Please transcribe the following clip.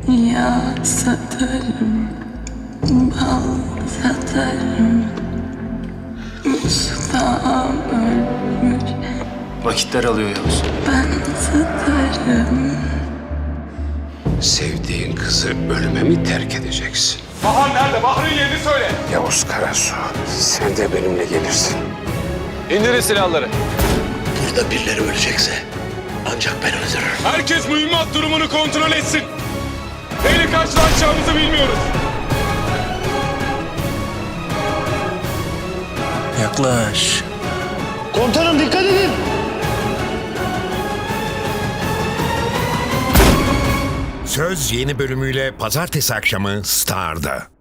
Yağ satarım, bal satarım. Ustam ölmüş, Vakitler alıyor Yavuz. ben satarım. Sevdiğin kızı ölüme mi terk edeceksin? Bahar nerede? Bahar'ın yerini söyle. Yavuz Karasu, sen de benimle gelirsin. İndirin silahları. Burada birileri ölecekse ancak ben öldürürüm. Herkes mühimmat durumunu kontrol etsin. Neyle karşılaşacağımızı bilmiyoruz. Yaklaş. Komutanım dikkat edin. Söz yeni bölümüyle pazartesi akşamı Star'da.